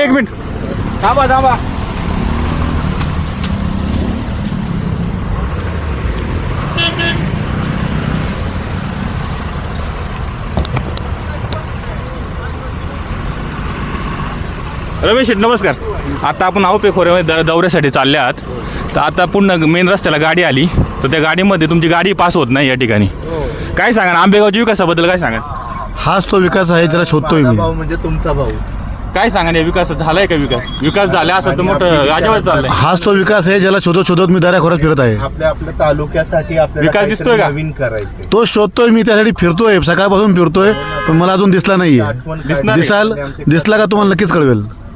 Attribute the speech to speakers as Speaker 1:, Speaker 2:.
Speaker 1: एक मिनिट थांबा थांबा. रमेश शेठ नमस्कार. आता आपण आहोपे खोऱ्यामध्ये दौऱ्यासाठी चालले आहात. तर आता पुन्हा मेन रस्त्याला गाडी आली तर त्या गाडीमध्ये तुमची गाडी पास होत नाही या ठिकाणी. काय सांगा आंबेगावच्या विकासाबद्दल काय सांगा.
Speaker 2: हाच तो विकास आहे ज्याला शोधतोय मी.
Speaker 3: भाऊ म्हणजे तुमचा भाऊ.
Speaker 1: काय सांगा या विकास झालाय का विकास झाला असं तर मोठं गाजावर चाललंय.
Speaker 2: हाच तो विकास आहे ज्याला शोधत शोधत मी दऱ्याखोऱ्यात फिरत आहे.
Speaker 3: आपल्या तालुक्यासाठी आपल्याला
Speaker 1: विकास
Speaker 3: काहीतरी
Speaker 1: दिसतोय का?
Speaker 3: नवीन करायचं.
Speaker 2: तो शोधतोय मी, त्यासाठी फिरतोय, सकाळपासून फिरतोय, पण मला अजून दिसला नाहीये.
Speaker 1: दिसणार आहे.
Speaker 2: दिसला का तुम्हाला नक्कीच कळवेल.